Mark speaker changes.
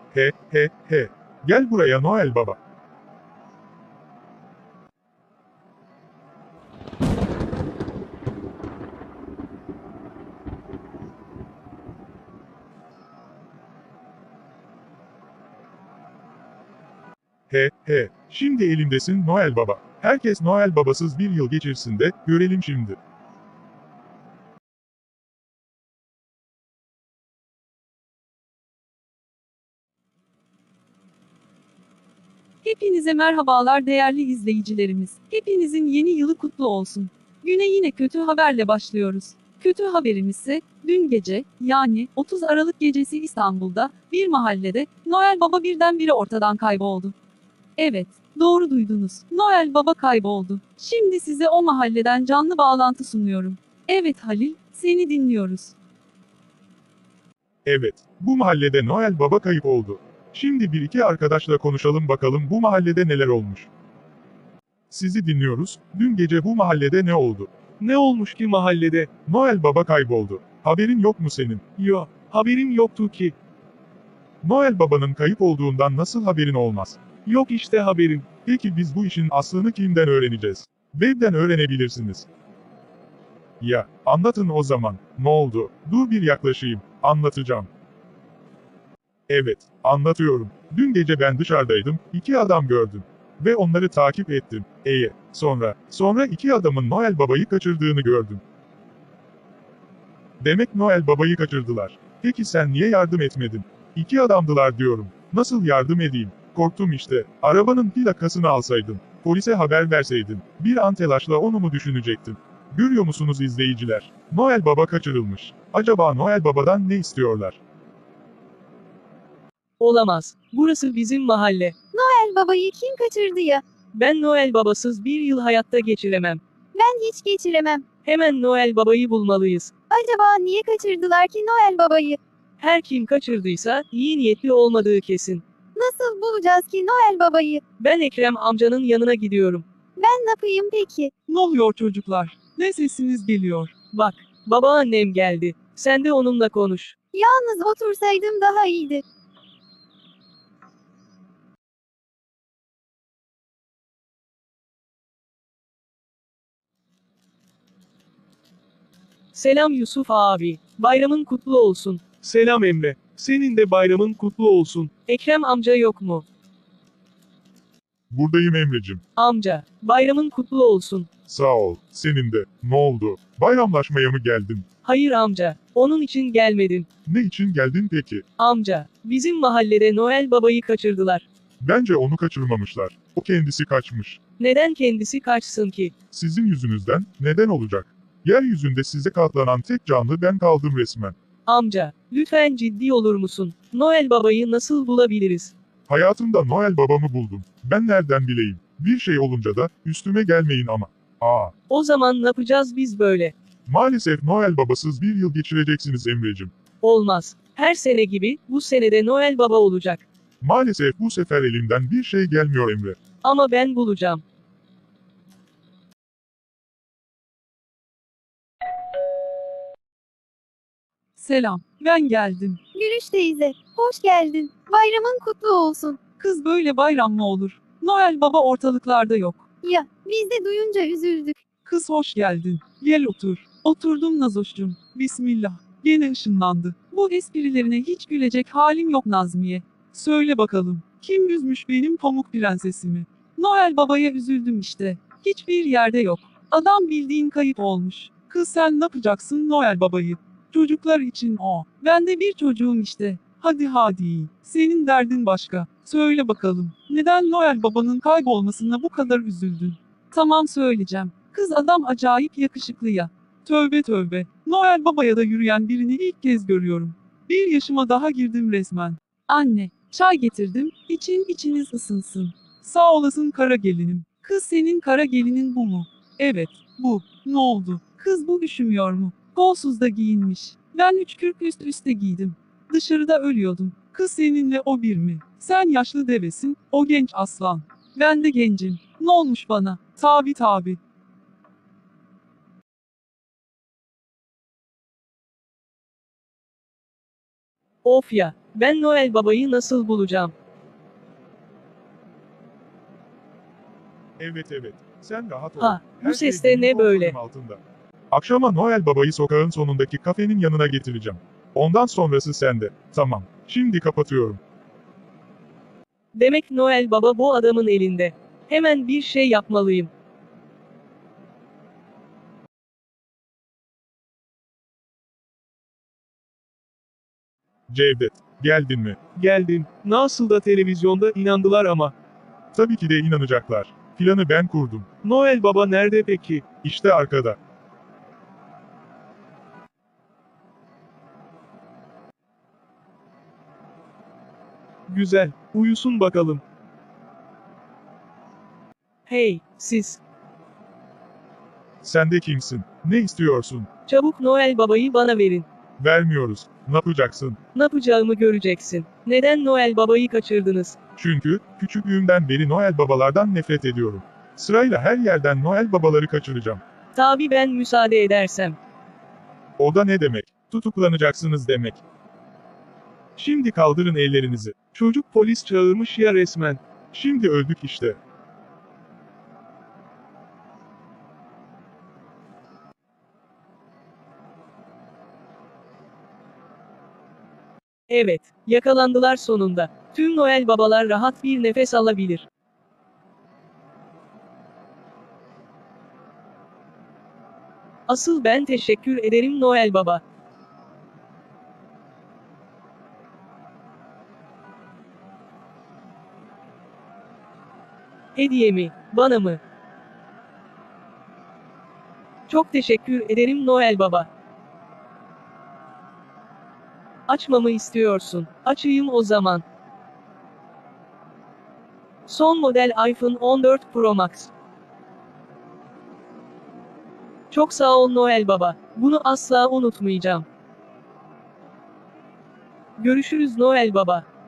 Speaker 1: He he he. Gel buraya Noel Baba. He he. Şimdi elimdesin Noel Baba. Herkes Noel Babasız bir yıl geçirsin de görelim şimdi.
Speaker 2: Hepinize merhabalar değerli izleyicilerimiz. Hepinizin yeni yılı kutlu olsun. Güne yine kötü haberle başlıyoruz. Kötü haberimiz ise dün gece yani 30 Aralık gecesi İstanbul'da bir mahallede Noel Baba birdenbire ortadan kayboldu. Evet, doğru duydunuz. Noel Baba kayboldu. Şimdi size o mahalleden canlı bağlantı sunuyorum. Evet Halil, seni dinliyoruz.
Speaker 1: Evet, bu mahallede Noel Baba kayıp oldu. Şimdi bir iki arkadaşla konuşalım bakalım bu mahallede neler olmuş. Sizi dinliyoruz. Dün gece bu mahallede ne oldu?
Speaker 3: Ne olmuş ki mahallede?
Speaker 1: Noel Baba kayboldu. Haberin yok mu senin?
Speaker 3: Yo, haberim yoktu ki.
Speaker 1: Noel Baba'nın kayıp olduğundan nasıl haberin olmaz?
Speaker 3: Yok işte haberim.
Speaker 1: Peki biz bu işin aslını kimden öğreneceğiz? Web'den öğrenebilirsiniz. Ya, anlatın o zaman. Ne oldu? Dur bir yaklaşayım. Anlatacağım. Evet, anlatıyorum. Dün gece ben dışarıdaydım, iki adam gördüm. Ve onları takip ettim. Sonra iki adamın Noel Baba'yı kaçırdığını gördüm. Demek Noel Baba'yı kaçırdılar. Peki sen niye yardım etmedin? İki adamdılar diyorum. Nasıl yardım edeyim? Korktum işte. Arabanın plakasını alsaydın. Polise haber verseydin. Bir an telaşla onu mu düşünecektim? Görüyor musunuz izleyiciler? Noel Baba kaçırılmış. Acaba Noel Baba'dan ne istiyorlar?
Speaker 3: Olamaz. Burası bizim mahalle.
Speaker 4: Noel Baba'yı kim kaçırdı ya?
Speaker 3: Ben Noel Babasız bir yıl hayatta geçiremem.
Speaker 4: Ben hiç geçiremem.
Speaker 3: Hemen Noel Baba'yı bulmalıyız.
Speaker 4: Acaba niye kaçırdılar ki Noel Baba'yı?
Speaker 3: Her kim kaçırdıysa iyi niyetli olmadığı kesin.
Speaker 4: Nasıl bulacağız ki Noel Baba'yı?
Speaker 3: Ben Ekrem amcanın yanına gidiyorum.
Speaker 4: Ben ne yapayım peki?
Speaker 2: Ne oluyor çocuklar? Ne sesiniz geliyor?
Speaker 3: Bak, babaannem geldi. Sen de onunla konuş.
Speaker 4: Yalnız otursaydım daha iyiydi.
Speaker 3: Selam Yusuf abi. Bayramın kutlu olsun. Selam Emre. Senin de bayramın kutlu olsun. Ekrem amca yok mu?
Speaker 1: Buradayım Emrecim.
Speaker 3: Amca, bayramın kutlu olsun.
Speaker 1: Sağ ol. Senin de. Ne oldu? Bayramlaşmaya mı geldin?
Speaker 3: Hayır amca, onun için gelmedim.
Speaker 1: Ne için geldin peki?
Speaker 3: Amca, bizim mahallede Noel Baba'yı kaçırdılar.
Speaker 1: Bence onu kaçırmamışlar. O kendisi kaçmış.
Speaker 3: Neden kendisi kaçsın ki?
Speaker 1: Sizin yüzünüzden, neden olacak? Yeryüzünde size katlanan tek canlı ben kaldım resmen.
Speaker 3: Amca, lütfen ciddi olur musun? Noel Baba'yı nasıl bulabiliriz?
Speaker 1: Hayatımda Noel babamı buldum. Ben nereden bileyim? Bir şey olunca da, üstüme gelmeyin ama.
Speaker 3: O zaman ne yapacağız biz böyle?
Speaker 1: Maalesef Noel babasız bir yıl geçireceksiniz Emrecim.
Speaker 3: Olmaz. Her sene gibi, bu senede Noel Baba olacak.
Speaker 1: Maalesef bu sefer elimden bir şey gelmiyor Emre.
Speaker 3: Ama ben bulacağım.
Speaker 2: Selam, ben geldim.
Speaker 4: Gülüş teyze, hoş geldin. Bayramın kutlu olsun.
Speaker 2: Kız böyle bayram mı olur? Noel Baba ortalıklarda yok.
Speaker 4: Ya, biz de duyunca üzüldük.
Speaker 2: Kız hoş geldin. Gel otur. Oturdum Nazoş'cum. Bismillah. Gene ışınlandı. Bu esprilerine hiç gülecek halim yok Nazmiye. Söyle bakalım. Kim üzmüş benim pamuk prensesimi? Noel Baba'ya üzüldüm işte. Hiçbir yerde yok. Adam bildiğin kayıp olmuş. Kız sen ne yapacaksın Noel Baba'yı? Çocuklar için o. Ben de bir çocuğum işte. Hadi. Senin derdin başka. Söyle bakalım. Neden Noel Baba'nın kaybolmasına bu kadar üzüldün? Tamam söyleyeceğim. Kız adam acayip yakışıklı ya. Tövbe. Noel Baba'ya da yürüyen birini ilk kez görüyorum. Bir yaşıma daha girdim resmen. Anne, çay getirdim. İçiniz ısınsın. Sağ olasın kara gelinim. Kız senin kara gelinin bu mu? Evet, bu. Ne oldu? Kız bu üşümüyor mu? Kolsuz da giyinmiş. Ben 3 kürk üst üste giydim. Dışarıda ölüyordum. Kız seninle o bir mi? Sen yaşlı devesin, o genç aslan. Ben de gencim. Ne olmuş bana? Tabi.
Speaker 3: Of ya, ben Noel Baba'yı nasıl bulacağım?
Speaker 1: Evet evet. Sen rahat ol.
Speaker 3: Ha, bu
Speaker 1: Her
Speaker 3: ses
Speaker 1: şey
Speaker 3: de
Speaker 1: benim
Speaker 3: ne böyle?
Speaker 1: kontrolüm altında. Akşama Noel Baba'yı sokağın sonundaki kafenin yanına getireceğim. Ondan sonrası sende. Tamam. Şimdi kapatıyorum.
Speaker 3: Demek Noel Baba bu adamın elinde. Hemen bir şey yapmalıyım.
Speaker 1: Cevdet, geldin mi?
Speaker 3: Geldim. Nasıl da televizyonda inandılar ama.
Speaker 1: Tabii ki de inanacaklar. Planı ben kurdum.
Speaker 3: Noel Baba nerede peki?
Speaker 1: İşte arkada.
Speaker 3: Güzel. Uyusun bakalım. Hey, siz.
Speaker 1: Sen de kimsin? Ne istiyorsun?
Speaker 3: Çabuk Noel Baba'yı bana verin.
Speaker 1: Vermiyoruz. Ne yapacaksın?
Speaker 3: Ne yapacağımı göreceksin. Neden Noel Baba'yı kaçırdınız?
Speaker 1: Çünkü küçüklüğümden beri Noel babalardan nefret ediyorum. Sırayla her yerden Noel babaları kaçıracağım.
Speaker 3: Tabii ben müsaade edersem.
Speaker 1: O da ne demek? Tutuklanacaksınız demek. Şimdi kaldırın ellerinizi.
Speaker 3: Çocuk polis çağırmış ya resmen.
Speaker 1: Şimdi öldük işte.
Speaker 3: Evet, yakalandılar sonunda. Tüm Noel Babalar rahat bir nefes alabilir. Asıl ben teşekkür ederim Noel Baba. Hediye mi? Bana mı? Çok teşekkür ederim Noel Baba. Açmamı istiyorsun. Açayım o zaman. Son model iPhone 14 Pro Max. Çok sağ ol Noel Baba. Bunu asla unutmayacağım. Görüşürüz Noel Baba.